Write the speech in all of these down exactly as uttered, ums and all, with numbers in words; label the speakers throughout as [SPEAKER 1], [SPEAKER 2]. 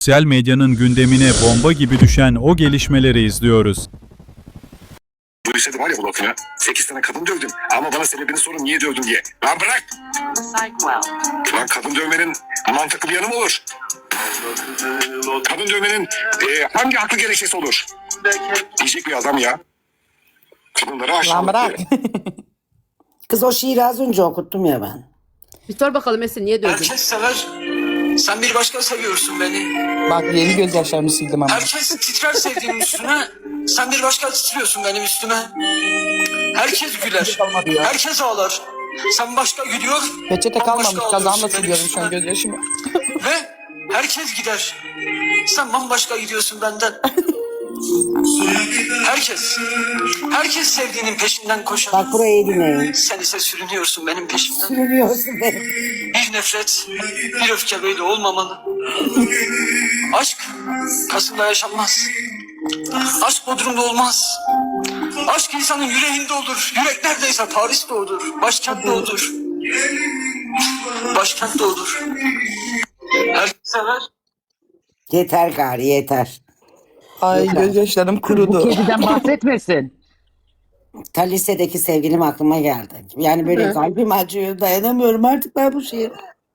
[SPEAKER 1] Sosyal medyanın gündemine bomba gibi düşen o gelişmeleri izliyoruz.
[SPEAKER 2] Duysaydı var ya bu lafını. Sekiz tane kadın dövdüm. Ama bana sebebini sorun niye dövdün diye. Lan bırak. Lan kadın dövmenin mantıklı bir yanı mı olur? Kadın dövmenin e, hangi aklı gerekçesi olur? Diyecek bir adam ya. Kadınları
[SPEAKER 3] Lan
[SPEAKER 2] aşağılık
[SPEAKER 3] bırak.
[SPEAKER 2] diye.
[SPEAKER 4] Kız o şiiri az önce okuttum ya ben.
[SPEAKER 5] Bir sor bakalım Esin niye dövdün?
[SPEAKER 6] Herkes sever. Sen bir başka seviyorsun beni.
[SPEAKER 3] Bak yeni gözyaşlarımı sildim ama.
[SPEAKER 6] Herkes titrer sevdiğim üstüne. Sen bir başka titriyorsun benim üstüme. Herkes güler. Herkes ağlar. Sen başka gülüyor.
[SPEAKER 3] Peçete kalmamış.
[SPEAKER 6] bambaşka
[SPEAKER 3] Kazağımla
[SPEAKER 6] ağlıyorsun benim
[SPEAKER 3] siliyorum şu an
[SPEAKER 6] üstüme.
[SPEAKER 3] gözyaşımı.
[SPEAKER 6] Ve herkes gider. Sen bambaşka gidiyorsun benden. Herkes. Herkes sevdiğinin peşinden koşar.
[SPEAKER 4] Bak burayı dinleyin.
[SPEAKER 6] Sen ise sürünüyorsun benim peşimden.
[SPEAKER 4] Sürünüyorsun beni.
[SPEAKER 6] Bir nefret, bir öfke böyle olmamalı. Aşk Kasım'da yaşanmaz. Aşk Bodrum'da olmaz. Aşk insanın yüreğinde olur. Yürek neredeyse Paris'te olur. Başkentte olur. Başkentte olur. Herkes sever.
[SPEAKER 4] Yeter gari yeter.
[SPEAKER 3] Ay gözyaşlarım
[SPEAKER 7] Bu
[SPEAKER 3] kurudu.
[SPEAKER 7] kediden bahsetmesin.
[SPEAKER 4] Ta lisedeki sevgilim aklıma geldi. Yani böyle
[SPEAKER 5] Hı.
[SPEAKER 4] kalbim acıyor. Dayanamıyorum artık ben bu şiire.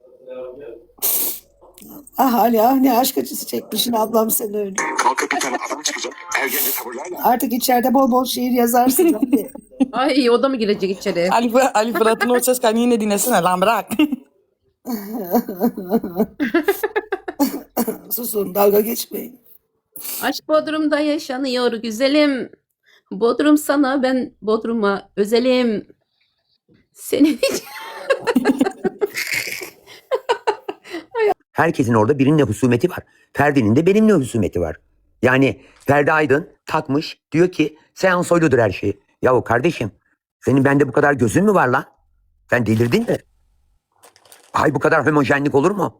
[SPEAKER 4] Ah Ali ah ne aşk acısı çekmişsin ablam sen öyle.
[SPEAKER 2] Kalkıp bir tane adam çıkacak. Ergence tavırlarla.
[SPEAKER 4] Artık içeride bol bol şiir yazarsın. Hadi.
[SPEAKER 5] Ay o da mı girecek içeri?
[SPEAKER 3] Ali, Fırat- Ali Fırat'ın o ses kaydını yine dinlesene lan bırak.
[SPEAKER 4] Susun dalga geçmeyin.
[SPEAKER 5] Aşk Bodrum'da yaşanıyor güzelim. Bodrum sana ben Bodrum'a özelim. Senin için.
[SPEAKER 8] Herkesin orada birinin husumeti var. Ferdi'nin de benimle husumeti var. Yani Ferdi Aydın takmış diyor ki Seyhan Soylu'dur her şey. Yahu kardeşim senin bende bu kadar gözün mü var lan? Sen delirdin mi? Ay bu kadar homojenlik olur mu?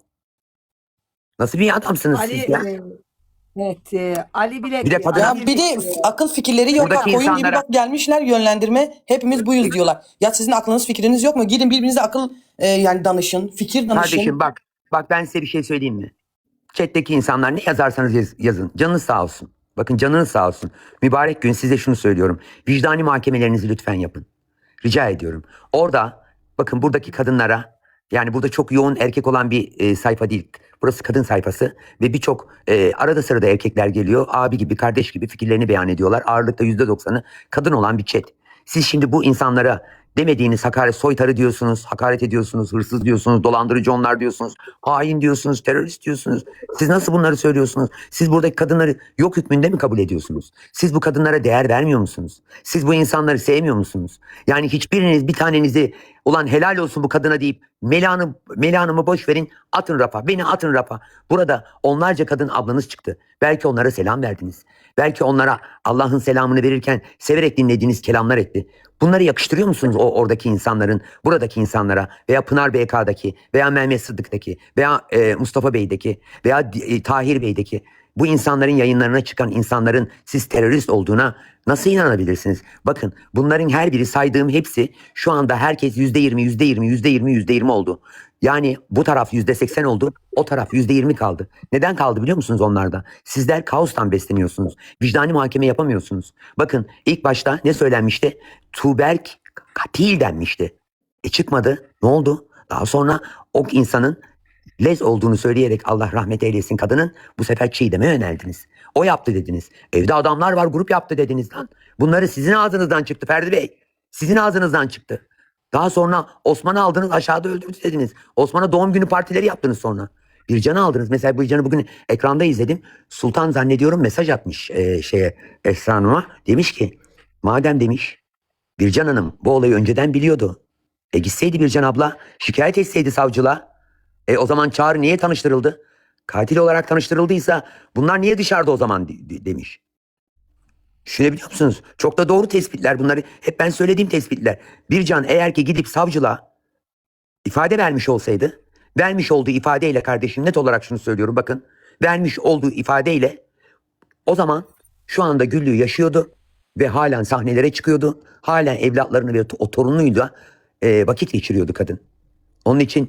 [SPEAKER 8] Nasıl bir adamsınız
[SPEAKER 9] Ali,
[SPEAKER 8] siz ya?
[SPEAKER 9] e, evet, e, Ali bile...
[SPEAKER 8] Bir de kadın-
[SPEAKER 3] Ya bir de akıl fikirleri yok.
[SPEAKER 8] Buradaki
[SPEAKER 3] Bak, oyun gibi
[SPEAKER 8] insanlara-
[SPEAKER 3] bak gelmişler yönlendirme. Hepimiz buyuz diyorlar. Ya sizin aklınız fikriniz yok mu? Gidin birbirinize akıl e, yani danışın. Fikir danışın.
[SPEAKER 8] Kardeşim bak bak ben size bir şey söyleyeyim mi? Chat'teki insanlar ne yazarsanız yaz- yazın. Canınız sağ olsun. Bakın canınız sağ olsun. Mübarek gün size şunu söylüyorum. Vicdani muhakemelerinizi lütfen yapın. Rica ediyorum. Orada bakın buradaki kadınlara yani burada çok yoğun erkek olan bir e, sayfa değil. Burası kadın sayfası ve birçok e, arada sırada erkekler geliyor. Abi gibi kardeş gibi fikirlerini beyan ediyorlar. Ağırlıkta yüzde doksanı kadın olan bir chat. Siz şimdi bu insanlara demediğiniz hakaret soytarı diyorsunuz, hakaret ediyorsunuz, hırsız diyorsunuz, dolandırıcı onlar diyorsunuz, hain diyorsunuz, terörist diyorsunuz. Siz nasıl bunları söylüyorsunuz? Siz buradaki kadınları yok hükmünde mi kabul ediyorsunuz? Siz bu kadınlara değer vermiyor musunuz? Siz bu insanları sevmiyor musunuz? Yani hiçbiriniz bir tanenizi ulan helal olsun bu kadına deyip Melan'ı, Melan'ımı boş verin atın rafa, beni atın rafa. Burada onlarca kadın ablanız çıktı. Belki onlara selam verdiniz. Belki onlara Allah'ın selamını verirken severek dinlediğiniz kelamlar etti. Bunları yakıştırıyor musunuz o oradaki insanların, buradaki insanlara veya Pınar B K'daki veya Mehmet Sıddık'taki veya e, Mustafa Bey'deki veya e, Tahir Bey'deki bu insanların yayınlarına çıkan insanların siz terörist olduğuna nasıl inanabilirsiniz? Bakın bunların her biri saydığım hepsi şu anda herkes yüzde yirmi, yüzde yirmi, yüzde yirmi, yüzde yirmi oldu. Yani bu taraf yüzde seksen oldu, o taraf yüzde yirmi kaldı. Neden kaldı biliyor musunuz onlarda? Sizler kaostan besleniyorsunuz. Vicdani muhakeme yapamıyorsunuz. Bakın ilk başta ne söylenmişti? Tuğberk katil denmişti. E çıkmadı. Ne oldu? Daha sonra o insanın lez olduğunu söyleyerek Allah rahmet eylesin kadının bu sefer Çiğdem'e yöneldiniz. O yaptı dediniz. Evde adamlar var grup yaptı dediniz lan. Bunları sizin ağzınızdan çıktı Ferdi Bey. Sizin ağzınızdan çıktı. Daha sonra Osman'ı aldınız aşağıda öldürdü dediniz. Osman'a doğum günü partileri yaptınız sonra. Bircan'ı aldınız. Mesela Bircan'ı bugün ekranda izledim. Sultan zannediyorum mesaj atmış e, şeye Esra Hanım'a. Demiş ki madem demiş Bircan Hanım bu olayı önceden biliyordu. E gitseydi Bircan abla şikayet etseydi savcılığa. E o zaman Çağrı niye tanıştırıldı? Katil olarak tanıştırıldıysa bunlar niye dışarıda o zaman de- de- demiş. Düşünebiliyor musunuz? Çok da doğru tespitler bunları. Hep ben söylediğim tespitler. Bircan eğer ki gidip savcılığa ifade vermiş olsaydı, vermiş olduğu ifadeyle kardeşim net olarak şunu söylüyorum bakın. Vermiş olduğu ifadeyle o zaman şu anda Güllü'yü yaşıyordu ve halen sahnelere çıkıyordu. Halen evlatlarını ve o torunuyla e, vakit geçiriyordu kadın. Onun için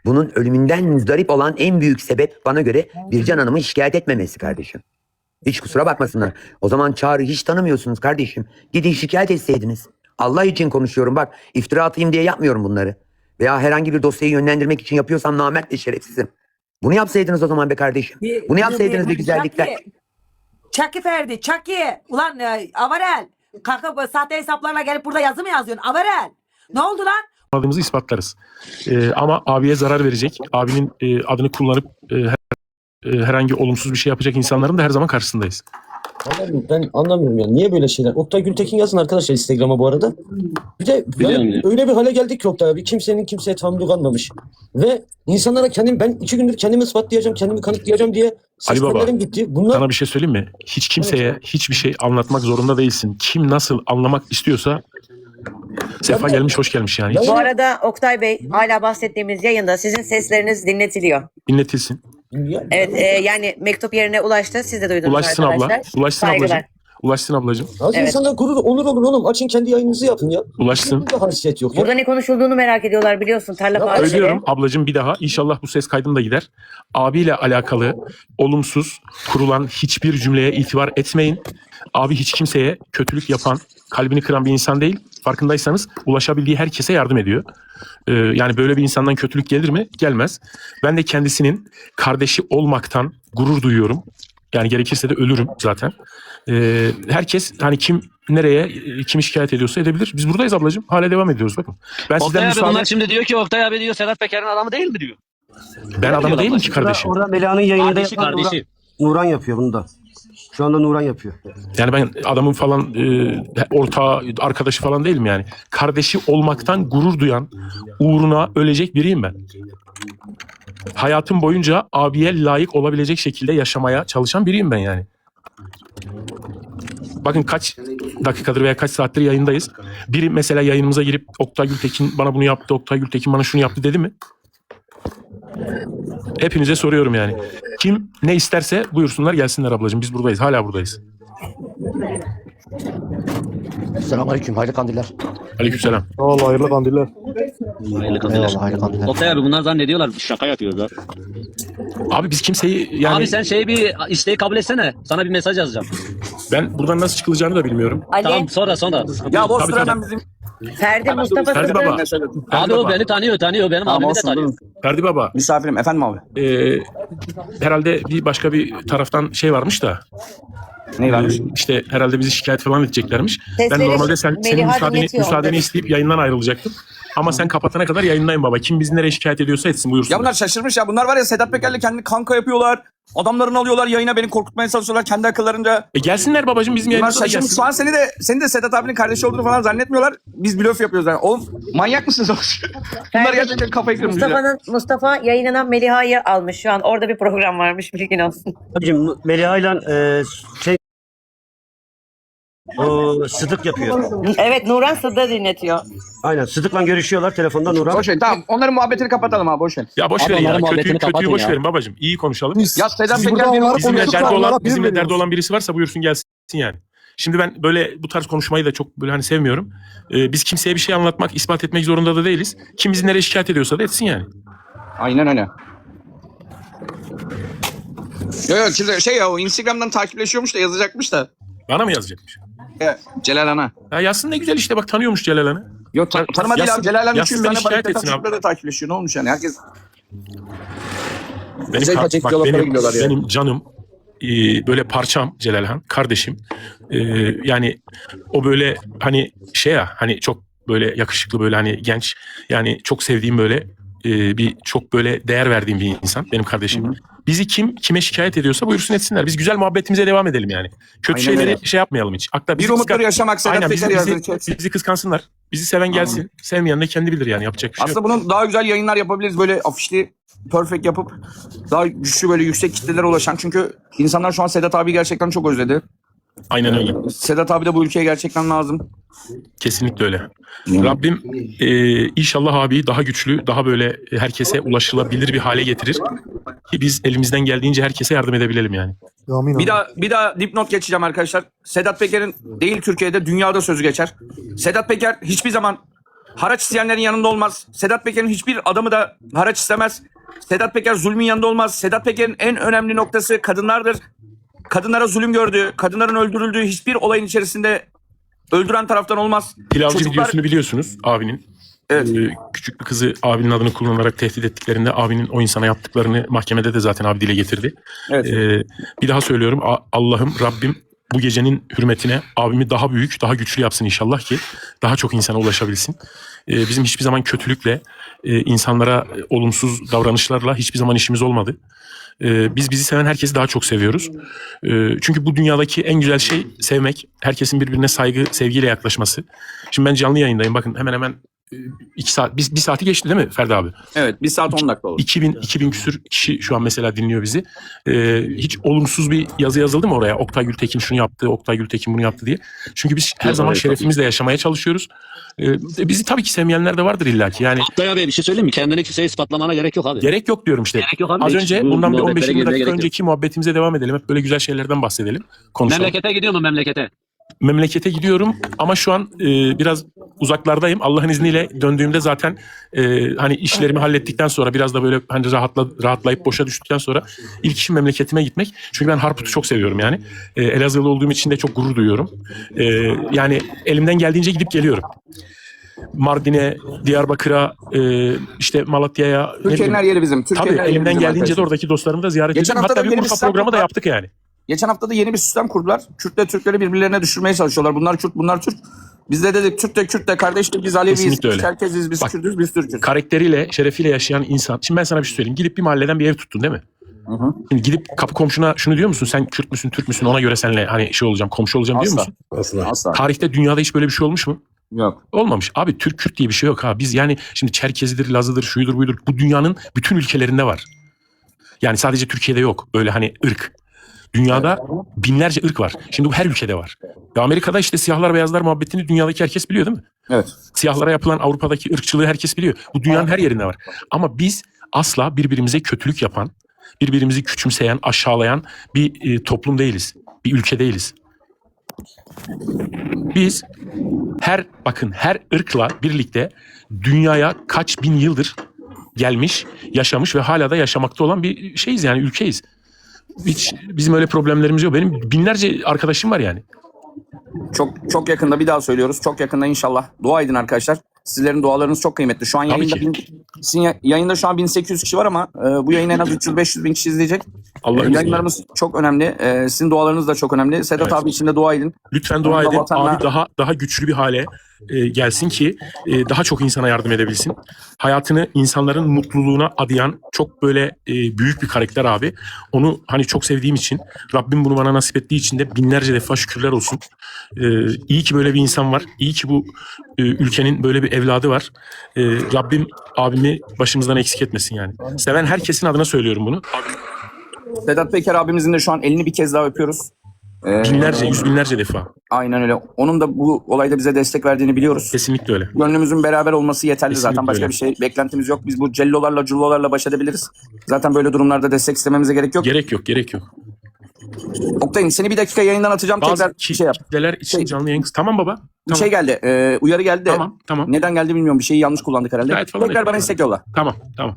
[SPEAKER 8] Bunun ölümünden müzdarip olan en büyük sebep bana göre Bircan Hanım'ı şikayet etmemesi kardeşim. Hiç kusura bakmasınlar. O zaman Çağrı hiç tanımıyorsunuz kardeşim. Gidin şikayet etseydiniz. Allah için konuşuyorum bak. İftira atayım diye yapmıyorum bunları. Veya herhangi bir dosyayı yönlendirmek için yapıyorsam namert ve şerefsizim. Bunu yapsaydınız o zaman be kardeşim.
[SPEAKER 9] Bir-
[SPEAKER 8] Bunu yapsaydınız bir güzellikler.
[SPEAKER 9] Çaki, Çaki Ferdi, Çaki. Ulan e, Avarel. Kalkıp e, sahte hesaplarla gelip burada yazı mı yazıyorsun? Avarel. Ne oldu lan?
[SPEAKER 7] Adımızı ispatlarız. Ee, ama abiye zarar verecek, abinin e, adını kullanıp e, her- e, herhangi olumsuz bir şey yapacak insanların da her zaman karşısındayız.
[SPEAKER 10] Anlamıyorum, ben anlamıyorum yani. Niye böyle şeyler? Oktay Gültekin yazın arkadaşlar Instagram'a bu arada. Bir de yani öyle bir hale geldik ki Oktay abi. Kimsenin kimseye tahammülü kalmamış. Ve insanlara kendim, ben iki gündür kendimi ispatlayacağım, kendimi kanıtlayacağım diye
[SPEAKER 7] Ali Baba,
[SPEAKER 10] seslenlerim gitti. Bunlar
[SPEAKER 7] Sana bir şey söyleyeyim mi? Hiç kimseye hiçbir şey anlatmak zorunda değilsin. Kim nasıl anlamak istiyorsa sefa gelmiş, hoş gelmiş yani.
[SPEAKER 10] Ya-
[SPEAKER 11] Bu arada Oktay Bey, hala bahsettiğimiz yayında sizin sesleriniz dinletiliyor.
[SPEAKER 7] Dinletilsin.
[SPEAKER 10] ya,
[SPEAKER 11] Evet, e, yani mektup yerine ulaştı. Siz de duydunuz
[SPEAKER 7] Ulaşsın
[SPEAKER 11] arkadaşlar.
[SPEAKER 7] abla. Ulaşsın
[SPEAKER 11] Saygılar.
[SPEAKER 7] ablacığım. Ulaşsın ablacığım.
[SPEAKER 10] az
[SPEAKER 11] Evet.
[SPEAKER 10] insana gurur, onur olur oğlum. Açın kendi yayınınızı yapın ya.
[SPEAKER 7] Ulaşsın.
[SPEAKER 10] Hiçbir haysiyet yok ya.
[SPEAKER 11] Burada ne konuşulduğunu merak ediyorlar biliyorsun. Tarla
[SPEAKER 10] Ya
[SPEAKER 11] Partisi.
[SPEAKER 7] Söylüyorum ablacığım bir daha. İnşallah bu ses kaydım da gider. Abiyle alakalı olumsuz kurulan hiçbir cümleye itibar etmeyin. Abi hiç kimseye kötülük yapan, kalbini kıran bir insan değil. Farkındaysanız ulaşabildiği herkese yardım ediyor. Ee, yani böyle bir insandan kötülük gelir mi? Gelmez. Ben de kendisinin kardeşi olmaktan gurur duyuyorum. Yani gerekirse de ölürüm zaten. Ee, herkes hani kim nereye e, kimi şikayet ediyorsa edebilir. Biz buradayız ablacığım. Hala devam ediyoruz bakın. Ben
[SPEAKER 6] Oktay
[SPEAKER 7] sizden
[SPEAKER 6] abi
[SPEAKER 7] müsaade...
[SPEAKER 6] bunlar şimdi diyor ki Oktay abi diyor Sedat Peker'in adamı değil mi diyor.
[SPEAKER 7] Ben adamı değilim ki kardeşim.
[SPEAKER 10] Orada Meliha'nın yayında
[SPEAKER 6] Kardeşi
[SPEAKER 10] yapan Nuran,
[SPEAKER 6] kardeşi.
[SPEAKER 10] Nuran yapıyor bunu da. Şu anda Nuran yapıyor.
[SPEAKER 7] Yani ben adamın falan e, ortağı, arkadaşı falan değilim yani. Kardeşi olmaktan gurur duyan, uğruna ölecek biriyim ben. Hayatım boyunca abiye layık olabilecek şekilde yaşamaya çalışan biriyim ben yani. Bakın kaç dakikadır veya kaç saattir yayındayız. Biri mesela yayınımıza girip Oktay Gültekin bana bunu yaptı, Oktay Gültekin bana şunu yaptı dedi mi? Hepinize soruyorum yani. Kim ne isterse buyursunlar gelsinler ablacığım. Biz buradayız. Hala buradayız.
[SPEAKER 12] Selamünaleyküm, hayırlı kandiller.
[SPEAKER 7] Aleykümselam.
[SPEAKER 10] Allah hayırlı kandiller.
[SPEAKER 12] Eyvallah, hayırlı kandiller.
[SPEAKER 6] Oktay abi bunlar zannediyorlar şaka yapıyorlar.
[SPEAKER 7] Abi biz kimseyi yani
[SPEAKER 6] Abi sen şeyi bir isteği kabul etsene. Sana bir mesaj yazacağım.
[SPEAKER 7] ben buradan nasıl çıkılacağını da bilmiyorum.
[SPEAKER 11] Ali,
[SPEAKER 6] Tamam sonra sonra.
[SPEAKER 7] Ya boş ver hemen bizim.
[SPEAKER 11] Ferdi, Mustafa
[SPEAKER 7] Ferdi
[SPEAKER 11] Sırrı.
[SPEAKER 7] Baba.
[SPEAKER 6] Abi
[SPEAKER 7] Ferdi
[SPEAKER 6] o
[SPEAKER 7] Baba.
[SPEAKER 6] beni tanıyor tanıyor. Benim abimi de tanıyor.
[SPEAKER 7] Ferdi Baba.
[SPEAKER 10] Misafirim efendim abi.
[SPEAKER 7] Ee, herhalde bir başka bir taraftan şey varmış da.
[SPEAKER 10] Ne
[SPEAKER 7] e, işte herhalde bizi şikayet falan edeceklermiş. Ben
[SPEAKER 11] Sesleri
[SPEAKER 7] normalde sen, senin
[SPEAKER 11] Meliha
[SPEAKER 7] müsaadeni,
[SPEAKER 11] dinletiyor
[SPEAKER 7] müsaadeni
[SPEAKER 11] onları.
[SPEAKER 7] isteyip yayından ayrılacaktım. Ama sen kapatana kadar yayındayım baba. Kim bizi nereye şikayet ediyorsa etsin buyursun.
[SPEAKER 10] Ya bunlar şaşırmış ya. Bunlar var ya Sedat Peker'le kendini kanka yapıyorlar. Adamlarını alıyorlar yayına, beni korkutmaya çalışıyorlar kendi akıllarınca.
[SPEAKER 7] E gelsinler babacığım bizim
[SPEAKER 10] Bunlar
[SPEAKER 7] yayınımıza da
[SPEAKER 10] şaşırmış.
[SPEAKER 7] gelsin.
[SPEAKER 10] Şu an seni de seni de Sedat abinin kardeşi olduğunu falan zannetmiyorlar. Biz blöf yapıyoruz yani. Oğlum manyak mısınız oğlum? Bunlar
[SPEAKER 11] Ferdi,
[SPEAKER 10] gerçekten kafayı kırmış ya.
[SPEAKER 11] Mustafa'nın Mustafa yayınına Meliha'yı almış şu an. Orada bir program varmış, bilgin olsun.
[SPEAKER 10] Abicim Meliha'yla e, şey o Sıdık yapıyor.
[SPEAKER 11] Evet, Nuran Sıdda dinletiyor.
[SPEAKER 10] Aynen Sıdık'la görüşüyorlar telefonda Nuran.
[SPEAKER 2] Boş ver tamam onların muhabbetini kapatalım abi boş ver.
[SPEAKER 7] Ya boş
[SPEAKER 6] Abi
[SPEAKER 7] verin ya.
[SPEAKER 6] onların
[SPEAKER 7] Kötüyü,
[SPEAKER 6] muhabbetini
[SPEAKER 7] kötüyü
[SPEAKER 6] kapatın
[SPEAKER 7] boş
[SPEAKER 6] ya.
[SPEAKER 7] verin babacığım. İyi konuşalım.
[SPEAKER 2] Ya Sedat
[SPEAKER 10] Siz
[SPEAKER 2] Peker
[SPEAKER 10] burada
[SPEAKER 2] bir
[SPEAKER 10] onlara
[SPEAKER 7] Bizimle
[SPEAKER 10] konuştuk,
[SPEAKER 7] derdi
[SPEAKER 10] onlara
[SPEAKER 7] olan,
[SPEAKER 10] bir
[SPEAKER 7] bizimle derdi
[SPEAKER 10] veriyoruz.
[SPEAKER 7] olan birisi varsa buyursun gelsin yani. Şimdi ben böyle bu tarz konuşmayı da çok böyle hani sevmiyorum. Ee, biz kimseye bir şey anlatmak, ispat etmek zorunda da değiliz. Kim bizi nereye şikayet ediyorsa da etsin yani.
[SPEAKER 2] Aynen öyle. Yok yok şimdi şey ya o Instagram'dan takipleşiyormuş da yazacakmış da.
[SPEAKER 7] Bana mı yazacakmış?
[SPEAKER 2] Ya, Celal Ana.
[SPEAKER 7] Ya yazsın ne güzel işte bak tanıyormuş Celal Han'ı.
[SPEAKER 2] Yok tan tanıma değil
[SPEAKER 7] Yazsın-
[SPEAKER 2] abi. Celal Ana
[SPEAKER 7] yazsın
[SPEAKER 2] üç yüz
[SPEAKER 7] beni
[SPEAKER 2] tane
[SPEAKER 7] şikayet
[SPEAKER 2] balık
[SPEAKER 7] etsin abi.
[SPEAKER 2] da takipleşiyor. Ne olmuş yani herkes.
[SPEAKER 7] Benim,
[SPEAKER 2] Güzel
[SPEAKER 7] ka-
[SPEAKER 2] paçak
[SPEAKER 7] bak,
[SPEAKER 2] diyaloglara
[SPEAKER 7] benim,
[SPEAKER 2] gidiyorlar ya.
[SPEAKER 7] benim canım e, böyle parçam Celal Han kardeşim. E, yani o böyle hani şey ya hani çok böyle yakışıklı böyle hani genç yani çok sevdiğim böyle e, bir çok böyle değer verdiğim bir insan benim kardeşim. Hı hı. Bizi kim kime şikayet ediyorsa buyursun etsinler. Biz güzel muhabbetimize devam edelim yani. Kötü
[SPEAKER 2] Aynen
[SPEAKER 7] şeyleri
[SPEAKER 2] öyle.
[SPEAKER 7] şey yapmayalım hiç. Hatta
[SPEAKER 2] Bir
[SPEAKER 7] bizi
[SPEAKER 2] umutları
[SPEAKER 7] kıskan-
[SPEAKER 2] yaşamak Sedat
[SPEAKER 7] Aynen, bizi,
[SPEAKER 2] Peker
[SPEAKER 7] bizi,
[SPEAKER 2] yazdı.
[SPEAKER 7] bizi kıskansınlar. Bizi seven gelsin.
[SPEAKER 2] Aynen.
[SPEAKER 7] Sevmeyen de kendi bilir yani yapacak bir şey yok.
[SPEAKER 2] Aslında bunun daha güzel yayınlar yapabiliriz. Böyle afişli perfect yapıp daha güçlü böyle yüksek kitlelere ulaşan. Çünkü insanlar şu an Sedat abi gerçekten çok özledi.
[SPEAKER 7] Aynen öyle.
[SPEAKER 2] Sedat abi de bu ülkeye gerçekten lazım.
[SPEAKER 7] Kesinlikle öyle. Rabbim e, inşallah abi daha güçlü, daha böyle herkese ulaşılabilir bir hale getirir. Ki biz elimizden geldiğince herkese yardım edebilelim yani.
[SPEAKER 2] Bir daha bir daha dipnot geçeceğim arkadaşlar. Sedat Peker'in değil Türkiye'de dünyada sözü geçer. Sedat Peker hiçbir zaman
[SPEAKER 6] haraç isteyenlerin yanında olmaz. Sedat Peker'in hiçbir adamı da haraç istemez. Sedat Peker zulmün yanında olmaz. Sedat Peker'in en önemli noktası kadınlardır. Kadınlara zulüm gördü, kadınların öldürüldüğü hiçbir olayın içerisinde öldüren taraftan olmaz.
[SPEAKER 7] Pilavcı
[SPEAKER 6] Çocuklar-
[SPEAKER 7] videosunu biliyorsunuz abinin.
[SPEAKER 6] Evet.
[SPEAKER 7] Ee, küçük bir kızı abinin adını kullanarak tehdit ettiklerinde abinin o insana yaptıklarını mahkemede de zaten abi dile getirdi.
[SPEAKER 6] Evet.
[SPEAKER 7] Ee, bir daha söylüyorum, A- Allah'ım, Rabbim bu gecenin hürmetine abimi daha büyük, daha güçlü yapsın inşallah ki daha çok insana ulaşabilsin. Ee, bizim hiçbir zaman kötülükle, e, insanlara e, olumsuz davranışlarla hiçbir zaman işimiz olmadı. Ee, biz bizi seven herkesi daha çok seviyoruz. Ee, çünkü bu dünyadaki en güzel şey sevmek. Herkesin birbirine saygı, sevgiyle yaklaşması. Şimdi ben canlı yayındayım. Bakın hemen hemen e, iki saat, bir, bir saati geçti değil mi Ferdi abi?
[SPEAKER 6] Evet, bir saat on dakika oldu.
[SPEAKER 7] iki bin, iki bin küsür kişi şu an mesela dinliyor bizi. Ee, hiç olumsuz bir yazı yazıldı mı oraya? Oktay Gültekin şunu yaptı, Oktay Gültekin bunu yaptı diye. Çünkü biz her
[SPEAKER 12] Yok,
[SPEAKER 7] zaman
[SPEAKER 12] hayır,
[SPEAKER 7] şerefimizle yaşamaya çalışıyoruz. Ee, bizi tabii ki sevmeyenler de vardır illaki. Yani
[SPEAKER 12] Oktay abi bir şey söyleyeyim mi? Kendini kimseye ispatlamana gerek yok abi.
[SPEAKER 7] gerek yok diyorum işte.
[SPEAKER 12] Gerek yok abi.
[SPEAKER 7] Az
[SPEAKER 12] Hiç
[SPEAKER 7] önce
[SPEAKER 12] bu
[SPEAKER 7] bundan bir on beş
[SPEAKER 12] muhabbetlere
[SPEAKER 7] yirmi
[SPEAKER 12] girmeye
[SPEAKER 7] dakika
[SPEAKER 12] gerek yok.
[SPEAKER 7] önceki muhabbetimize devam edelim. Hep böyle güzel şeylerden bahsedelim. Konuşalım.
[SPEAKER 12] Memlekete gidiyor mu memlekete?
[SPEAKER 7] Memlekete gidiyorum ama şu an e, biraz uzaklardayım. Allah'ın izniyle döndüğümde zaten e, hani işlerimi hallettikten sonra biraz da böyle hani rahatla, rahatlayıp boşa düştükten sonra ilk işim memleketime gitmek. Çünkü ben Harput'u çok seviyorum yani. E, Elazığlı olduğum için de çok gurur duyuyorum. E, yani elimden geldiğince gidip geliyorum. Mardin'e, Diyarbakır'a, e, işte Malatya'ya. ne
[SPEAKER 6] Türkiye'nin
[SPEAKER 7] bileyim.
[SPEAKER 6] her yeri bizim. Türkiye'nin
[SPEAKER 7] Tabii
[SPEAKER 6] her yeri
[SPEAKER 7] elimden
[SPEAKER 6] bizim
[SPEAKER 7] geldiğince de
[SPEAKER 6] arkadaşlar.
[SPEAKER 7] oradaki dostlarımı da ziyaret
[SPEAKER 6] Geçen
[SPEAKER 7] ediyorum.
[SPEAKER 6] hafta
[SPEAKER 7] Hatta
[SPEAKER 6] da
[SPEAKER 7] bir
[SPEAKER 6] yeni bir
[SPEAKER 7] Urfa
[SPEAKER 6] sistem
[SPEAKER 7] programı da
[SPEAKER 6] kurdular.
[SPEAKER 7] yaptık yani.
[SPEAKER 6] Geçen hafta da yeni bir sistem kurdular. Kürtle Türkleri birbirlerine düşürmeye çalışıyorlar. Bunlar Kürt, bunlar Türk. Biz de dedik Türk de Kürt de kardeştir. Biz Aleviyiz,
[SPEAKER 7] Kesinlikle öyle.
[SPEAKER 6] biz Çerkeziz, biz
[SPEAKER 7] Bak,
[SPEAKER 6] Kürtüz, biz Türk'üz.
[SPEAKER 7] Karakteriyle, şerefiyle yaşayan insan. Şimdi ben sana bir şey söyleyeyim. Gidip bir mahalleden bir ev tuttun değil mi?
[SPEAKER 6] Hı hı.
[SPEAKER 7] Şimdi gidip kapı komşuna şunu diyor musun? Sen Kürt müsün, Türk müsün? Ona göre seninle hani şey olacağım, komşu olacağım diyor
[SPEAKER 6] Asla.
[SPEAKER 7] musun?
[SPEAKER 6] Asla. Asla.
[SPEAKER 7] Tarihte, dünyada hiç böyle bir şey olmuş mu?
[SPEAKER 6] Yok.
[SPEAKER 7] Olmamış. Abi Türk Kürt diye bir şey yok ha. Biz yani şimdi Çerkezidir, Lazıdır, şuydur buydur. Bu dünyanın bütün ülkelerinde var. Yani sadece Türkiye'de yok. Öyle hani ırk. Dünyada binlerce ırk var. Şimdi bu her ülkede var. Ya Amerika'da işte siyahlar beyazlar muhabbetini dünyadaki herkes biliyor değil mi?
[SPEAKER 6] Evet.
[SPEAKER 7] Siyahlara yapılan Avrupa'daki ırkçılığı herkes biliyor. Bu dünyanın her yerinde var. Ama biz asla birbirimize kötülük yapan, birbirimizi küçümseyen, aşağılayan bir e, toplum değiliz. Bir ülke değiliz. Biz her bakın her ırkla birlikte dünyaya kaç bin yıldır gelmiş, yaşamış ve hala da yaşamakta olan bir şeyiz yani ülkeyiz. Hiç bizim öyle problemlerimiz yok. Benim binlerce arkadaşım var yani.
[SPEAKER 6] Çok çok yakında bir daha söylüyoruz. Çok yakında inşallah. Dua edin arkadaşlar. Sizlerin dualarınız çok kıymetli. Şu an
[SPEAKER 7] Tabii
[SPEAKER 6] yayında,
[SPEAKER 7] ki.
[SPEAKER 6] bin, sizin ya- yayında şu an bin sekiz yüz kişi var ama e, bu yayını en az üç yüz beş yüz bin kişi izleyecek.
[SPEAKER 7] Allah'ın
[SPEAKER 6] E,
[SPEAKER 7] izniyle.
[SPEAKER 6] yayınlarımız çok önemli. E, sizin dualarınız da çok önemli. Sedat
[SPEAKER 7] Evet.
[SPEAKER 6] abi için de dua edin.
[SPEAKER 7] Lütfen dua
[SPEAKER 6] Onda
[SPEAKER 7] edin.
[SPEAKER 6] vatanla-
[SPEAKER 7] Abi daha daha güçlü bir hale e, gelsin ki e, daha çok insana yardım edebilsin. Hayatını insanların mutluluğuna adayan çok böyle e, büyük bir karakter abi. Onu hani çok sevdiğim için, Rabbim bunu bana nasip ettiği için de binlerce defa şükürler olsun. E, iyi ki böyle bir insan var. İyi ki bu e, ülkenin böyle bir evladı var. E, Rabbim abimi başımızdan eksik etmesin yani. Seven herkesin adına söylüyorum bunu.
[SPEAKER 6] Sedat Peker abimizin de şu an elini bir kez daha öpüyoruz. E,
[SPEAKER 7] Binlerce, yüz binlerce defa.
[SPEAKER 6] Aynen öyle. Onun da bu olayda bize destek verdiğini biliyoruz.
[SPEAKER 7] Kesinlikle öyle.
[SPEAKER 6] Gönlümüzün beraber olması yeterli
[SPEAKER 7] Kesinlikle
[SPEAKER 6] zaten. Başka
[SPEAKER 7] öyle.
[SPEAKER 6] bir şey beklentimiz yok. Biz bu cellolarla cullolarla baş edebiliriz. Zaten böyle durumlarda destek istememize gerek yok.
[SPEAKER 7] Gerek yok, gerek yok.
[SPEAKER 6] Oktay'ın seni bir dakika yayından atacağım.
[SPEAKER 7] Bazı
[SPEAKER 6] Tekrar
[SPEAKER 7] ki-
[SPEAKER 6] şey yap.
[SPEAKER 7] kitleler için
[SPEAKER 6] Şey-
[SPEAKER 7] canlı yayın... Tamam baba.
[SPEAKER 6] Bir
[SPEAKER 7] Tamam.
[SPEAKER 6] şey geldi. E, uyarı geldi de.
[SPEAKER 7] Tamam, tamam.
[SPEAKER 6] Neden geldi bilmiyorum. Bir şeyi yanlış kullandık herhalde.
[SPEAKER 7] Gayet falan
[SPEAKER 6] Tekrar bana
[SPEAKER 7] yapalım.
[SPEAKER 6] istek yolla.
[SPEAKER 7] Tamam, tamam.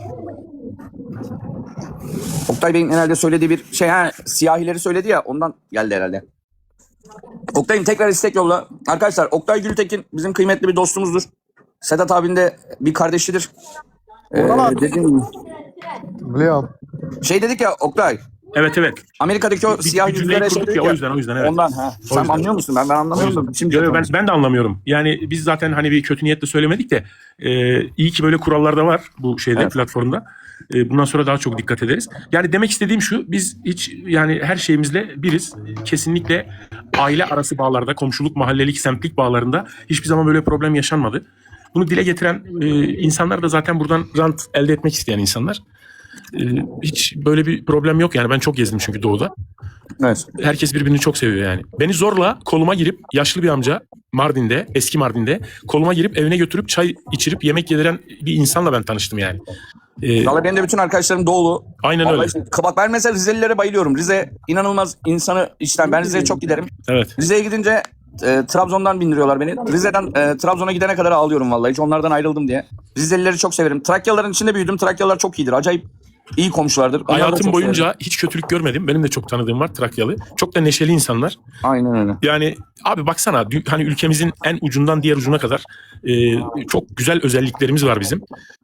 [SPEAKER 6] Oktay Bey'in herhalde söylediği bir şey. Ha, siyahileri söyledi ya. Ondan geldi herhalde. Oktay'ım tekrar istek yolla. Arkadaşlar Oktay Gültekin bizim kıymetli bir dostumuzdur. Sedat abinin de bir kardeşidir. Ee, dediğim gibi.
[SPEAKER 13] Biliyorum.
[SPEAKER 6] Şey dedik ya Oktay.
[SPEAKER 7] Evet, evet.
[SPEAKER 6] Amerika'daki o
[SPEAKER 7] Bir-
[SPEAKER 6] siyah
[SPEAKER 7] bir cümleyi
[SPEAKER 6] yüzlere şey
[SPEAKER 7] kurduk
[SPEAKER 6] dedik
[SPEAKER 7] ya, o yüzden, o yüzden, evet.
[SPEAKER 6] Ondan ha. Sen
[SPEAKER 7] yüzden.
[SPEAKER 6] anlıyor musun? Ben ben anlamıyorum. Şimdi
[SPEAKER 7] Yo, yo, ben, ben de anlamıyorum. Yani biz zaten hani bir kötü niyetle söylemedik de e, iyi ki böyle kurallar da var bu şeyde
[SPEAKER 6] Evet.
[SPEAKER 7] platformda. E, bundan sonra daha çok dikkat ederiz. Yani demek istediğim şu, biz hiç yani her şeyimizle biriz. Kesinlikle aile arası bağlarda, komşuluk, mahallelik, semtlik bağlarında hiçbir zaman böyle problem yaşanmadı. Bunu dile getiren e, insanlar da zaten buradan rant elde etmek isteyen insanlar. E, hiç böyle bir problem yok yani. Ben çok gezdim çünkü doğuda.
[SPEAKER 6] Evet.
[SPEAKER 7] Herkes birbirini çok seviyor yani. Beni zorla koluma girip yaşlı bir amca Mardin'de, eski Mardin'de koluma girip evine götürüp çay içirip yemek yediren bir insanla ben tanıştım yani. Ee,
[SPEAKER 6] Valla benim de bütün arkadaşlarım doğulu.
[SPEAKER 7] aynen
[SPEAKER 6] Vallahi
[SPEAKER 7] öyle.
[SPEAKER 6] işte, bak ben mesela Rizelilere bayılıyorum. Rize inanılmaz insanı içten. Ben Rize'ye çok giderim.
[SPEAKER 7] Evet.
[SPEAKER 6] Rize'ye gidince e, Trabzon'dan bindiriyorlar beni. Rize'den e, Trabzon'a gidene kadar ağlıyorum vallahi. Hiç onlardan ayrıldım diye. Rizelileri çok severim. Trakyalıların içinde büyüdüm. Trakyalılar çok iyidir. Acayip iyi komşulardır. Onları da
[SPEAKER 7] Hayatım
[SPEAKER 6] çok
[SPEAKER 7] boyunca
[SPEAKER 6] severim.
[SPEAKER 7] hiç kötülük görmedim. Benim de çok tanıdığım var Trakyalı. Çok da neşeli insanlar.
[SPEAKER 6] Aynen öyle.
[SPEAKER 7] Yani abi baksana dü- hani ülkemizin en ucundan diğer ucuna kadar e, çok güzel özelliklerimiz var bizim.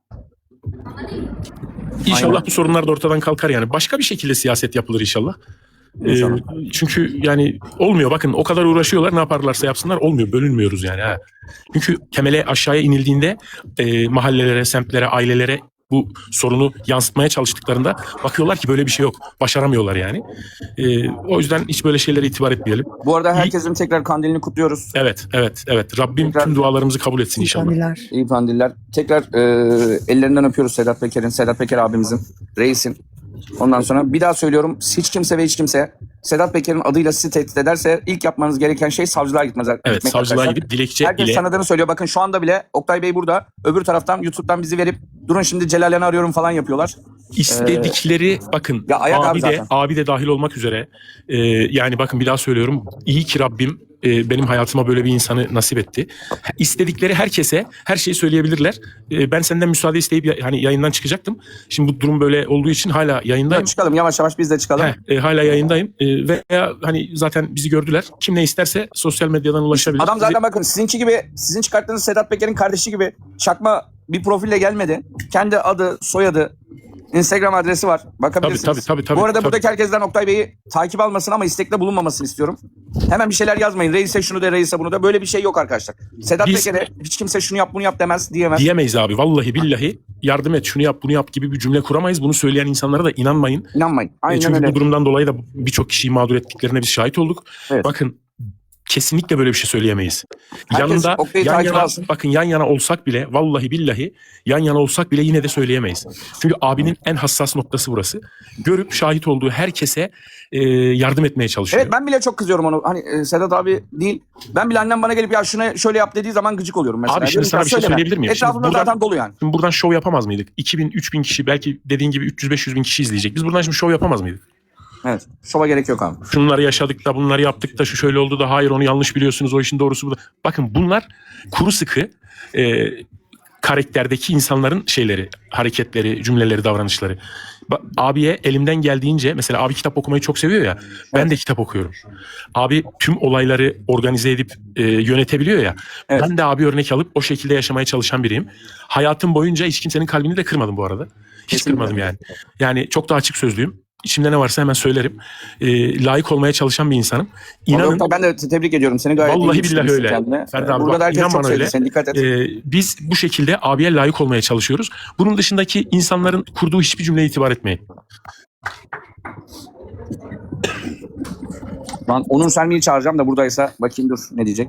[SPEAKER 7] İnşallah
[SPEAKER 6] Aynen.
[SPEAKER 7] bu sorunlar da ortadan kalkar yani. Başka bir şekilde siyaset yapılır inşallah. E,
[SPEAKER 6] İnşallah.
[SPEAKER 7] çünkü yani olmuyor. Bakın o kadar uğraşıyorlar, ne yaparlarsa yapsınlar olmuyor. Bölünmüyoruz yani. Ha. Çünkü temele aşağıya inildiğinde e, mahallelere, semtlere, ailelere bu sorunu yansıtmaya çalıştıklarında bakıyorlar ki böyle bir şey yok. Başaramıyorlar yani. E, o yüzden hiç böyle şeylere itibar etmeyelim.
[SPEAKER 6] Bu arada herkesin tekrar kandilini kutluyoruz.
[SPEAKER 7] Evet, evet, evet. Rabbim
[SPEAKER 6] Tekrar-
[SPEAKER 7] tüm dualarımızı kabul etsin inşallah.
[SPEAKER 6] İyi kandiller. Tekrar e, ellerinden öpüyoruz Sedat Peker'in, Sedat Peker abimizin, reisin. Ondan sonra bir daha söylüyorum, hiç kimse ve hiç kimse Sedat Peker'in adıyla sizi tehdit ederse ilk yapmanız gereken şey savcılığa gitmez.
[SPEAKER 7] Evet,
[SPEAKER 6] gitmek
[SPEAKER 7] savcılığa
[SPEAKER 6] arkadaşlar.
[SPEAKER 7] gidip dilekçe
[SPEAKER 6] Herkes
[SPEAKER 7] ile
[SPEAKER 6] tanıdığını söylüyor. Bakın şu anda bile Oktay Bey burada. Öbür taraftan YouTube'dan bizi verip durun şimdi Celal'ini arıyorum falan yapıyorlar.
[SPEAKER 7] istedikleri bakın
[SPEAKER 6] Ya ayak abi
[SPEAKER 7] abi de
[SPEAKER 6] zaten.
[SPEAKER 7] abi de dahil olmak üzere e, yani bakın bir daha söylüyorum, iyi ki Rabbim e, benim hayatıma böyle bir insanı nasip etti. İstedikleri herkese her şeyi söyleyebilirler. E, ben senden müsaade isteyip ya- hani yayından çıkacaktım. Şimdi bu durum böyle olduğu için hala yayındayım.
[SPEAKER 6] Çıkalım yavaş yavaş biz de çıkalım.
[SPEAKER 7] Heh, e, hala yayındayım e, veya hani zaten bizi gördüler. Kim ne isterse sosyal medyadan ulaşabilir.
[SPEAKER 6] Adam zaten
[SPEAKER 7] Bizi-
[SPEAKER 6] bakın sizinki gibi, sizin çıkarttığınız Sedat Peker'in kardeşi gibi çakma bir profille gelmedi. Kendi adı, soyadı, Instagram adresi var. Bakabilirsiniz.
[SPEAKER 7] Tabii, tabii, tabii, tabii,
[SPEAKER 6] Bu arada
[SPEAKER 7] tabii.
[SPEAKER 6] buradaki herkesten Oktay Bey'i takip almasın ama istekte bulunmamasını istiyorum. Hemen bir şeyler yazmayın. Reis'e şunu de, reis'e bunu da. Böyle bir şey yok arkadaşlar. Sedat
[SPEAKER 7] Biz-
[SPEAKER 6] Peker'e hiç kimse şunu yap bunu yap demez, diyemez.
[SPEAKER 7] Diyemeyiz abi. Vallahi billahi yardım et, şunu yap, bunu yap gibi bir cümle kuramayız. Bunu söyleyen insanlara da inanmayın.
[SPEAKER 6] İnanmayın.
[SPEAKER 7] E,
[SPEAKER 6] Aynen
[SPEAKER 7] Çünkü
[SPEAKER 6] öyle.
[SPEAKER 7] bu durumdan dolayı da birçok kişiyi mağdur ettiklerine biz şahit olduk.
[SPEAKER 6] Evet.
[SPEAKER 7] Bakın kesinlikle böyle bir şey söyleyemeyiz.
[SPEAKER 6] Herkes
[SPEAKER 7] Yanında
[SPEAKER 6] Oktay'ı
[SPEAKER 7] yan
[SPEAKER 6] takip
[SPEAKER 7] yana,
[SPEAKER 6] alsın.
[SPEAKER 7] bakın yan yana olsak bile vallahi billahi yan yana olsak bile yine de söyleyemeyiz. Çünkü abinin en hassas noktası burası. Görüp şahit olduğu herkese e, yardım etmeye çalışıyor.
[SPEAKER 6] Evet ben bile çok kızıyorum onu. Hani e, Sedat abi değil. Ben bile annem bana gelip ya şuna şöyle yap dediği zaman gıcık oluyorum mesela.
[SPEAKER 7] Abi şimdi
[SPEAKER 6] Diyorum ki,
[SPEAKER 7] sana
[SPEAKER 6] ya
[SPEAKER 7] bir şey
[SPEAKER 6] söyleme.
[SPEAKER 7] söyleyebilir miyim? Şimdi
[SPEAKER 6] Etrafımda
[SPEAKER 7] buradan-
[SPEAKER 6] zaten dolu yani.
[SPEAKER 7] Şimdi buradan şov yapamaz mıydık? iki bin, üç bin kişi belki dediğin gibi üç yüz beş yüz bin kişi izleyecek. Biz buradan şimdi şov yapamaz mıydık?
[SPEAKER 6] Evet. Şova gerek yok abi.
[SPEAKER 7] Şunları yaşadık da bunları yaptık da şu şöyle oldu da hayır onu yanlış biliyorsunuz o işin doğrusu bu da. Bakın bunlar kuru sıkı e, karakterdeki insanların şeyleri, hareketleri, cümleleri, davranışları. Ba- abiye elimden geldiğince mesela abi kitap okumayı çok seviyor ya, ben de kitap okuyorum. Abi tüm olayları organize edip e, yönetebiliyor ya.
[SPEAKER 6] Evet.
[SPEAKER 7] Ben de abi örnek alıp o şekilde yaşamaya çalışan biriyim. Hayatım boyunca hiç kimsenin kalbini de kırmadım bu arada. Hiç
[SPEAKER 6] Kesinlikle.
[SPEAKER 7] kırmadım yani. Yani çok da açık sözlüyüm. İçimde ne varsa hemen söylerim. E, layık olmaya çalışan bir insanım. İnanın
[SPEAKER 6] Oktay, ben de te- tebrik ediyorum seni, gayet iyi
[SPEAKER 7] vallahi billahi
[SPEAKER 6] yetiştirmişsin
[SPEAKER 7] öyle.
[SPEAKER 6] kendine.
[SPEAKER 7] Ferdi abi,
[SPEAKER 6] Burada
[SPEAKER 7] bak,
[SPEAKER 6] da herkes
[SPEAKER 7] inan
[SPEAKER 6] çok
[SPEAKER 7] bana
[SPEAKER 6] sevdi
[SPEAKER 7] öyle.
[SPEAKER 6] seni, dikkat et.
[SPEAKER 7] Ee, biz bu şekilde abiye layık olmaya çalışıyoruz. Bunun dışındaki insanların kurduğu hiçbir cümleye itibar etmeyin.
[SPEAKER 6] Ben Onur Selmi'yi çağıracağım da buradaysa bakayım dur ne diyecek.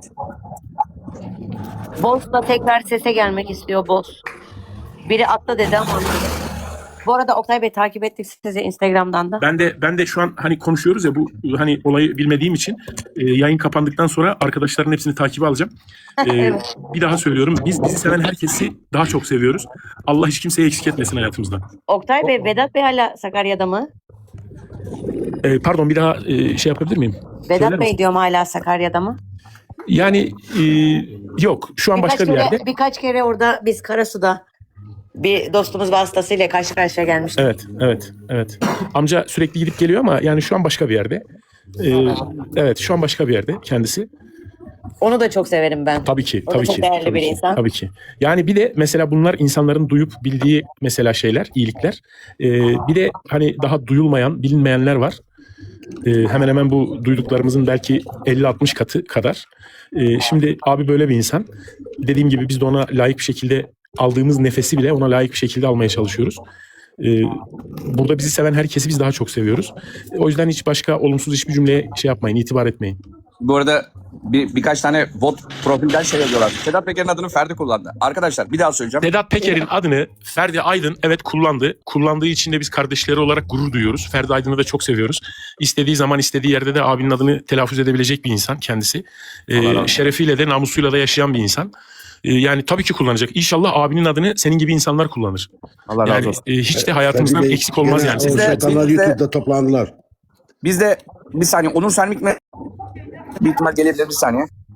[SPEAKER 11] Boss da tekrar sese gelmek istiyor Boss. Biri atla dedi ama anlamadım. Bu arada Oktay Bey takip ettik sizi Instagram'dan da.
[SPEAKER 7] Ben de ben de şu an hani konuşuyoruz ya, bu hani olayı bilmediğim için e, yayın kapandıktan sonra arkadaşların hepsini takibe alacağım. E,
[SPEAKER 11] Evet.
[SPEAKER 7] Bir daha söylüyorum, biz bizi seven herkesi daha çok seviyoruz. Allah hiç kimseyi eksik etmesin hayatımızdan.
[SPEAKER 11] Oktay Bey, Vedat Bey hala Sakarya'da mı?
[SPEAKER 7] E, pardon bir daha e, şey yapabilir miyim? Söyler
[SPEAKER 11] Vedat Bey
[SPEAKER 7] misin?
[SPEAKER 11] diyorum hala Sakarya'da mı?
[SPEAKER 7] Yani e, yok şu an
[SPEAKER 11] Birkaç
[SPEAKER 7] başka bir
[SPEAKER 11] kere,
[SPEAKER 7] yerde.
[SPEAKER 11] birkaç kere orada biz Karasu'da bir dostumuz vasıtasıyla karşı karşıya gelmiştik.
[SPEAKER 7] Evet, evet, evet. Amca sürekli gidip geliyor ama yani şu an başka bir yerde. Ee, evet, şu an başka bir yerde kendisi.
[SPEAKER 11] Onu da çok severim ben.
[SPEAKER 7] Tabii ki,
[SPEAKER 11] O da
[SPEAKER 7] tabii
[SPEAKER 11] çok
[SPEAKER 7] ki.
[SPEAKER 11] değerli
[SPEAKER 7] tabii
[SPEAKER 11] bir
[SPEAKER 7] ki,
[SPEAKER 11] insan.
[SPEAKER 7] Tabii ki. Yani bir de mesela bunlar insanların duyup bildiği mesela şeyler, iyilikler. Ee, bir de hani daha duyulmayan, bilinmeyenler var. Ee, hemen hemen bu duyduklarımızın belki elli altmış katı kadar. Ee, şimdi abi böyle bir insan. Dediğim gibi biz de ona layık bir şekilde aldığımız nefesi bile ona layık bir şekilde almaya çalışıyoruz. Ee, burada bizi seven herkesi biz daha çok seviyoruz. O yüzden hiç başka olumsuz hiçbir cümleye şey yapmayın, itibar etmeyin.
[SPEAKER 6] Bu arada bir, birkaç tane bot profilden şey yazıyorlar. Sedat Peker'in adını Ferdi kullandı. Arkadaşlar bir daha söyleyeceğim.
[SPEAKER 7] Sedat Peker'in adını Ferdi Aydın evet kullandı. Kullandığı için de biz kardeşleri olarak gurur duyuyoruz. Ferdi Aydın'ı da çok seviyoruz. İstediği zaman istediği yerde de abinin adını telaffuz edebilecek bir insan kendisi. Ee, şerefiyle de namusuyla da yaşayan bir insan. Ee, yani tabii ki kullanacak. İnşallah abinin adını senin gibi insanlar kullanır.
[SPEAKER 6] Allah razı
[SPEAKER 7] Yani
[SPEAKER 6] olsun.
[SPEAKER 7] e, hiç de hayatımızdan
[SPEAKER 13] Ferdi Bey,
[SPEAKER 7] eksik olmaz
[SPEAKER 13] gene
[SPEAKER 7] yani.
[SPEAKER 13] o
[SPEAKER 6] Siz de-
[SPEAKER 13] şeytanlar
[SPEAKER 6] siz de-
[SPEAKER 13] YouTube'da toplandılar.
[SPEAKER 6] Biz de bir saniye Onur Selmik mi? Bir ihtimal gelebilir bir saniye.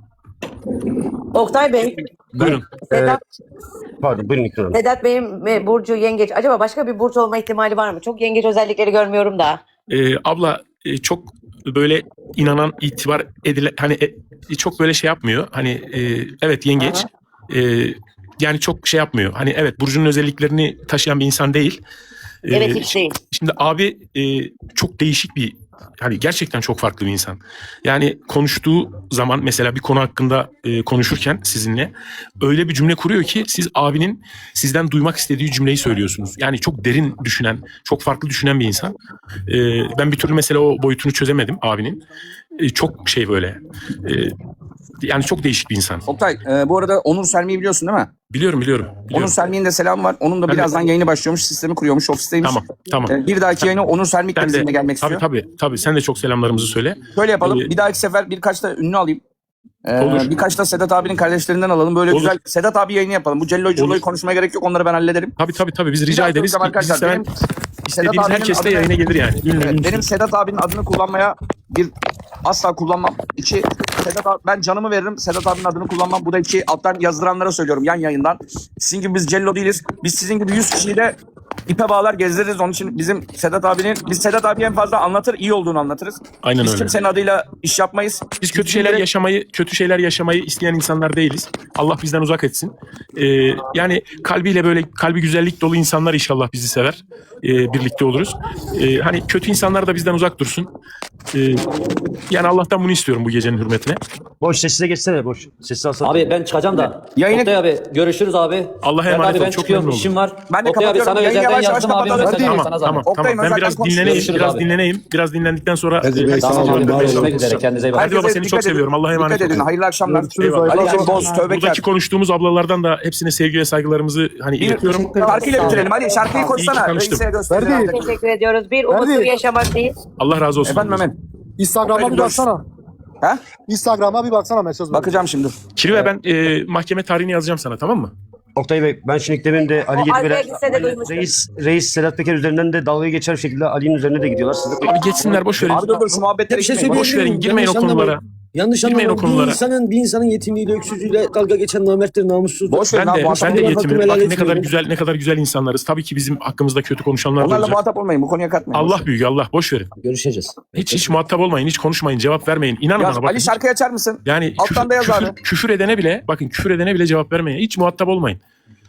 [SPEAKER 11] Oktay Bey,
[SPEAKER 7] Buyurun.
[SPEAKER 11] Sedat,
[SPEAKER 10] Pardon buyurun İkram Hanım.
[SPEAKER 11] Sedat Bey'in e, burcu yengeç. Acaba başka bir burç olma ihtimali var mı? Çok yengeç özellikleri görmüyorum da.
[SPEAKER 7] Ee, abla e, çok böyle inanan, itibar edile hani e, çok böyle şey yapmıyor. Hani e, evet yengeç. E, yani çok şey yapmıyor. Hani evet burcunun özelliklerini taşıyan bir insan değil. E,
[SPEAKER 11] Evet, hiç değil.
[SPEAKER 7] Şimdi abi e, çok değişik bir, hani gerçekten çok farklı bir insan. Yani konuştuğu zaman mesela bir konu hakkında e, konuşurken sizinle öyle bir cümle kuruyor ki siz abinin sizden duymak istediği cümleyi söylüyorsunuz. Yani çok derin düşünen, çok farklı düşünen bir insan. E, ben bir türlü mesela o boyutunu çözemedim abinin. E, çok şey böyle. E, yani çok değişik bir insan.
[SPEAKER 6] Oktay e, bu arada Onur Selmi'yi biliyorsun değil mi?
[SPEAKER 7] Biliyorum biliyorum. biliyorum.
[SPEAKER 6] Onur Selmi'nin de selamı var. Onun da
[SPEAKER 7] Ben de-
[SPEAKER 6] birazdan yayını başlıyormuş. Sistemi kuruyormuş. Ofisteymiş.
[SPEAKER 7] Tamam tamam.
[SPEAKER 6] E, bir dahaki yayına Onur Selmik de
[SPEAKER 7] Ben de
[SPEAKER 6] bizimle gelmek
[SPEAKER 7] tabii
[SPEAKER 6] istiyor.
[SPEAKER 7] tabii tabii sen de çok selamlarımızı söyle.
[SPEAKER 6] Şöyle yapalım.
[SPEAKER 7] Ee,
[SPEAKER 6] bir dahaki sefer birkaç da ünlü alayım. Ee,
[SPEAKER 7] Olur.
[SPEAKER 6] Birkaç da Sedat abinin kardeşlerinden alalım. Böyle
[SPEAKER 7] Olur.
[SPEAKER 6] güzel Sedat abi yayını yapalım. Bu Cello'yu Cello'yu
[SPEAKER 7] Olur.
[SPEAKER 6] konuşmaya gerek yok. Onları ben hallederim.
[SPEAKER 7] Tabii tabii tabii biz
[SPEAKER 6] Bir
[SPEAKER 7] rica
[SPEAKER 6] daha
[SPEAKER 7] ederiz.
[SPEAKER 6] soracağım
[SPEAKER 7] Bizi
[SPEAKER 6] arkadaşlar.
[SPEAKER 7] seven
[SPEAKER 6] Benim Sedat
[SPEAKER 7] istediğimiz
[SPEAKER 6] abinin
[SPEAKER 7] herkes de
[SPEAKER 6] adını-
[SPEAKER 7] yayına gelir yani. Ünlü,
[SPEAKER 6] Evet,
[SPEAKER 7] ünlü.
[SPEAKER 6] benim Sedat abinin adını kullanmaya bir asla kullanmam. İki, Sedat abi, ben canımı veririm. Sedat abinin adını kullanmam. Bu da iki, alttan yazdıranlara söylüyorum yan yayından. Sizin gibi biz Cello değiliz. Biz sizin gibi yüz kişiyi de ipe bağlar gezdiririz. Onun için bizim Sedat abinin, biz Sedat abi en fazla anlatır, iyi olduğunu anlatırız.
[SPEAKER 7] Aynen
[SPEAKER 6] Biz
[SPEAKER 7] öyle.
[SPEAKER 6] kimsenin adıyla iş yapmayız.
[SPEAKER 7] Biz kötü şeyler yaşamayı, kötü şeyler yaşamayı isteyen insanlar değiliz. Allah bizden uzak etsin. Ee, yani kalbiyle böyle kalbi güzellik dolu insanlar inşallah bizi sever. Ee, birlikte oluruz. Ee, hani kötü insanlar da bizden uzak dursun. Ee, yani Allah'tan bunu istiyorum bu gecenin hürmetine.
[SPEAKER 10] Boş sessize geçsene boş. Sessiz alsana.
[SPEAKER 12] Abi ben çıkacağım da.
[SPEAKER 6] Yayını-
[SPEAKER 12] Oktay abi görüşürüz abi.
[SPEAKER 7] Allah'a
[SPEAKER 12] Sedat
[SPEAKER 7] emanet
[SPEAKER 12] abi
[SPEAKER 7] ol.
[SPEAKER 12] ben
[SPEAKER 7] Çok
[SPEAKER 12] çıkıyorum,
[SPEAKER 7] memnun
[SPEAKER 12] işim
[SPEAKER 7] oldum.
[SPEAKER 12] var.
[SPEAKER 6] Ben de
[SPEAKER 12] Oktay abi
[SPEAKER 6] kapatıyorum.
[SPEAKER 12] sana
[SPEAKER 6] Yayını
[SPEAKER 12] özelden
[SPEAKER 6] yavaş yavaş
[SPEAKER 12] yazdım abi.
[SPEAKER 6] kapatalım.
[SPEAKER 12] Mesaj
[SPEAKER 6] Hadi.
[SPEAKER 12] at, sana
[SPEAKER 7] Tamam
[SPEAKER 12] zahmet.
[SPEAKER 6] Oktay,
[SPEAKER 7] tamam. Ben
[SPEAKER 6] zaten
[SPEAKER 7] biraz
[SPEAKER 6] konuşuyoruz.
[SPEAKER 7] dinleneyim,
[SPEAKER 12] Görüşürüz
[SPEAKER 7] biraz
[SPEAKER 12] abi.
[SPEAKER 7] dinleneyim. Biraz dinlendikten sonra
[SPEAKER 13] Hadi
[SPEAKER 7] e,
[SPEAKER 13] Bey,
[SPEAKER 7] tamam,
[SPEAKER 13] sağ olun,
[SPEAKER 7] tamam,
[SPEAKER 13] var
[SPEAKER 7] ben-
[SPEAKER 13] olun.
[SPEAKER 12] Görüşmek üzere, kendinize iyi bakın.
[SPEAKER 7] Hadi baba
[SPEAKER 6] Herkese
[SPEAKER 7] seni
[SPEAKER 6] dikkat
[SPEAKER 7] çok seviyorum. Allah'a emanet
[SPEAKER 6] Dikkat edin.
[SPEAKER 7] olun.
[SPEAKER 6] Hayırlı akşamlar.
[SPEAKER 7] Eyvallah.
[SPEAKER 6] Ali Boz, Tövbekar.
[SPEAKER 7] Buradaki konuştuğumuz ablalardan da hepsine sevgi ve saygılarımızı hani iletiyorum.
[SPEAKER 6] Şarkıyla bitirelim. Ali şarkıyı
[SPEAKER 7] İyi
[SPEAKER 6] koysana.
[SPEAKER 7] ki tanıştım.
[SPEAKER 6] Reis'e gösterelim.
[SPEAKER 11] Teşekkür ediyoruz. Bir umutlu
[SPEAKER 13] Ferdi.
[SPEAKER 11] bir yaşamaktayız.
[SPEAKER 7] Allah razı olsun.
[SPEAKER 6] Efendim Mehmet.
[SPEAKER 13] Instagram'a bir baksana.
[SPEAKER 6] Ha?
[SPEAKER 13] Instagram'a bir baksana mesaj.
[SPEAKER 6] Bakacağım şimdi.
[SPEAKER 7] Kirve ben e, mahkeme tarihini yazacağım sana, tamam mı?
[SPEAKER 10] Oktay Bey ben şimdi demin de Ali
[SPEAKER 11] O
[SPEAKER 10] Gedibeler,
[SPEAKER 11] Alp'e gitse de duymuştum.
[SPEAKER 10] Reis, Reis Sedat Peker üzerinden de dalga geçer şekilde Ali'nin üzerine de gidiyorlar. Siz de...
[SPEAKER 7] Abi geçsinler, boş verin.
[SPEAKER 6] Abi dur dur şu muhabbetlere
[SPEAKER 10] Bir şey
[SPEAKER 6] gitmeyin.
[SPEAKER 7] Boş
[SPEAKER 10] söyleyebilir
[SPEAKER 7] verin,
[SPEAKER 10] miyim?
[SPEAKER 7] girmeyin o
[SPEAKER 10] Yanlış
[SPEAKER 7] konulara.
[SPEAKER 10] anlamayın. Yanlış
[SPEAKER 7] Girmeyin o
[SPEAKER 10] anlamayın. Bir
[SPEAKER 7] konulara.
[SPEAKER 10] insanın, bir insanın yetimliğiyle, öksüzlüğüyle dalga geçen namerttir, namussuzdur.
[SPEAKER 6] Boş verin
[SPEAKER 7] Ben
[SPEAKER 6] abi.
[SPEAKER 7] de
[SPEAKER 6] muhatap
[SPEAKER 7] ben de
[SPEAKER 6] olmayın.
[SPEAKER 10] hakkımı
[SPEAKER 7] yetimim.
[SPEAKER 10] helal
[SPEAKER 7] Bak ne kadar
[SPEAKER 10] etmiyorum.
[SPEAKER 7] güzel ne kadar güzel insanlarız. Tabii ki bizim hakkımızda kötü konuşanlar da
[SPEAKER 6] Onlarla
[SPEAKER 7] olacak.
[SPEAKER 6] muhatap olmayın. Bu konuya katmayın.
[SPEAKER 7] Allah büyük, Allah boş verin.
[SPEAKER 10] Görüşeceğiz.
[SPEAKER 7] Hiç hiç muhatap olmayın, hiç konuşmayın, cevap vermeyin. İnanın
[SPEAKER 6] Ya,
[SPEAKER 7] bana bakın.
[SPEAKER 6] Ali şarkıyı açar mısın?
[SPEAKER 7] Yani
[SPEAKER 6] Alttan
[SPEAKER 7] küfür,
[SPEAKER 6] da yaz
[SPEAKER 7] küfür,
[SPEAKER 6] abi.
[SPEAKER 7] küfür edene bile, bakın küfür edene bile cevap vermeyin. Hiç muhatap olmayın.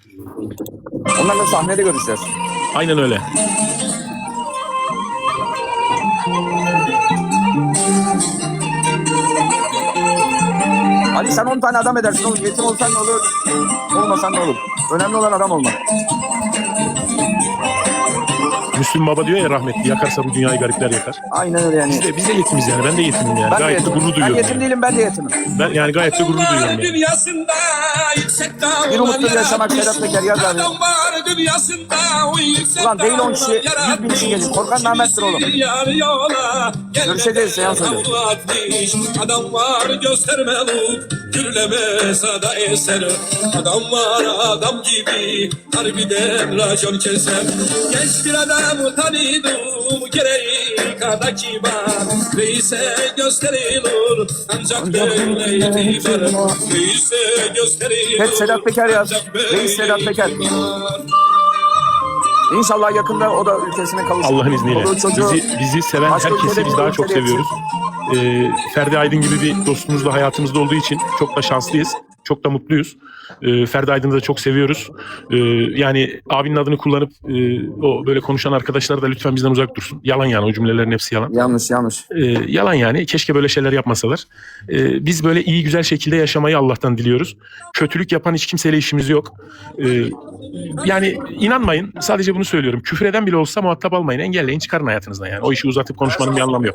[SPEAKER 6] Onlarla sahnede görüşeceğiz.
[SPEAKER 7] Aynen öyle.
[SPEAKER 6] Ali sen on tane adam edersin oğlum. Yetim olsan ne olur? Olmasan ne olur? Önemli olan adam olmak.
[SPEAKER 7] Müslüm Baba diyor ya rahmetli, yakarsa bu dünyayı garipler yakar.
[SPEAKER 6] Aynen öyle yani.
[SPEAKER 7] Biz de, biz de yetimiz yani. Ben de yetimim yani.
[SPEAKER 6] Ben de
[SPEAKER 7] gayet de
[SPEAKER 6] yetimim.
[SPEAKER 7] gurur
[SPEAKER 6] Ben
[SPEAKER 7] duyuyorum.
[SPEAKER 6] yetim
[SPEAKER 7] yani.
[SPEAKER 6] değilim, ben de yetimim.
[SPEAKER 7] Ben yani gayet de gurur duyuyorum yani.
[SPEAKER 14] Dünyasında yüksek
[SPEAKER 6] Bir umutlu yaşamak Sedat Peker yaz abi.
[SPEAKER 14] Adam var dünyasında o yüksek
[SPEAKER 6] Ulan değil on kişi, yüz bin kişi gelir. Korkan namerttir oğlum.
[SPEAKER 14] Yar yola
[SPEAKER 6] Görüşeceğiz, seans öyle.
[SPEAKER 14] Adam var göstermeli gürleme sada eser. Adam var adam gibi harbiden racon keser. Genç bir adam tanıdım gereği kadar kibar. Reis'e gösterilir ancak böyle itibar. Reis'e gösterilir.
[SPEAKER 6] Hep Sedat Peker yaz.
[SPEAKER 14] ancak böyle
[SPEAKER 6] Reis Sedat Peker.
[SPEAKER 14] itibar.
[SPEAKER 6] İnşallah yakında o da ülkesine kavuşur.
[SPEAKER 7] Allah'ın izniyle.
[SPEAKER 6] O da çocuğu-
[SPEAKER 7] Bizi, bizi seven
[SPEAKER 6] Başka
[SPEAKER 7] herkesi
[SPEAKER 6] ülkede
[SPEAKER 7] biz
[SPEAKER 6] bir
[SPEAKER 7] daha çok
[SPEAKER 6] ülkede
[SPEAKER 7] seviyoruz. Ee, Ferdi Aydın gibi bir dostumuz da hayatımızda olduğu için çok da şanslıyız. Çok da mutluyuz. Ee, Ferdi Aydın'ı da çok seviyoruz. Ee, yani abinin adını kullanıp e, o böyle konuşan arkadaşlar da lütfen bizden uzak dursun. Yalan yani, o cümlelerin hepsi yalan.
[SPEAKER 6] Yanlış yanlış.
[SPEAKER 7] Ee, yalan yani. Keşke böyle şeyler yapmasalar. Ee, biz böyle iyi güzel şekilde yaşamayı Allah'tan diliyoruz. Kötülük yapan hiç kimseyle işimiz yok. Ee, yani inanmayın. Sadece bunu söylüyorum. Küfür eden bile olsa muhatap almayın. Engelleyin, çıkarın hayatınızdan yani. O işi uzatıp konuşmanın bir anlamı yok.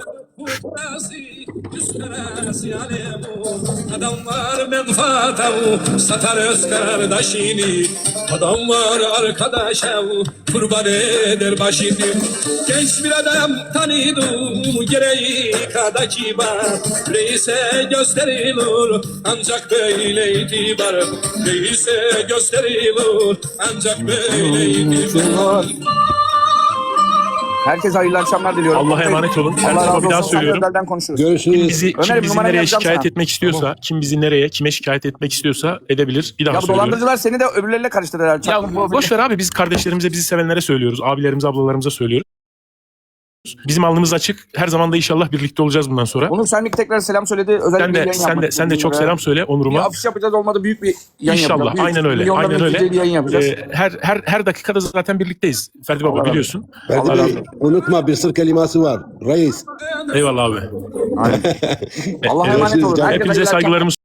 [SPEAKER 14] Adam var menfaatavu satar öz kardeşini. Adam var arkadaşa kurban eder başını. Genç bir adam tanıdım gereği kadar kibar. Reis'e gösterilir ancak böyle itibar. Reis'e gösterilir ancak böyle itibar.
[SPEAKER 6] Herkese hayırlı akşamlar diliyorum.
[SPEAKER 7] Allah'a emanet olun. Her
[SPEAKER 6] Allah
[SPEAKER 7] sabah
[SPEAKER 6] razı
[SPEAKER 7] bir daha
[SPEAKER 6] olsun.
[SPEAKER 7] söylüyorum.
[SPEAKER 6] Özelden konuşuruz.
[SPEAKER 7] Kim bizi, kim
[SPEAKER 6] Ömer'im,
[SPEAKER 7] bizi
[SPEAKER 6] numaramı
[SPEAKER 7] nereye
[SPEAKER 6] yazacağım
[SPEAKER 7] şikayet
[SPEAKER 6] sana.
[SPEAKER 7] etmek istiyorsa, kim bizi nereye, kime şikayet etmek istiyorsa edebilir. Bir daha
[SPEAKER 6] Ya bu
[SPEAKER 7] söylüyorum.
[SPEAKER 6] dolandırıcılar seni de öbürleriyle karıştırırlar.
[SPEAKER 7] Ya boş ver abi, biz kardeşlerimize, bizi sevenlere söylüyoruz. Abilerimize, ablalarımıza söylüyoruz. Bizim alnımız açık. Her zaman da inşallah birlikte olacağız bundan sonra.
[SPEAKER 6] Onur sen bir tekrar selam söyledi. Özellikle
[SPEAKER 7] Sen de
[SPEAKER 6] yayın
[SPEAKER 7] sen
[SPEAKER 6] yapmak
[SPEAKER 7] de sen de
[SPEAKER 6] istedim
[SPEAKER 7] çok
[SPEAKER 6] bunlara.
[SPEAKER 7] selam söyle
[SPEAKER 6] Bir
[SPEAKER 7] Onur'uma.
[SPEAKER 6] afiş yapacağız, olmadı büyük bir yayın
[SPEAKER 7] İnşallah.
[SPEAKER 6] yapacağız. Büyük,
[SPEAKER 7] Aynen öyle.
[SPEAKER 6] milyonların
[SPEAKER 7] Aynen öyle.
[SPEAKER 6] izleyeceği bir yayın yapacağız.
[SPEAKER 7] Ee, her her her dakikada zaten birlikteyiz. Ferdi Baba,
[SPEAKER 6] Allah
[SPEAKER 7] biliyorsun.
[SPEAKER 6] Allah razı olsun.
[SPEAKER 13] Unutma bir sır kelimesi var. Reis.
[SPEAKER 7] Eyvallah abi.
[SPEAKER 6] Allah'a emanet olun. Herkese
[SPEAKER 7] Hepinize
[SPEAKER 6] hayırlı
[SPEAKER 7] saygılarımı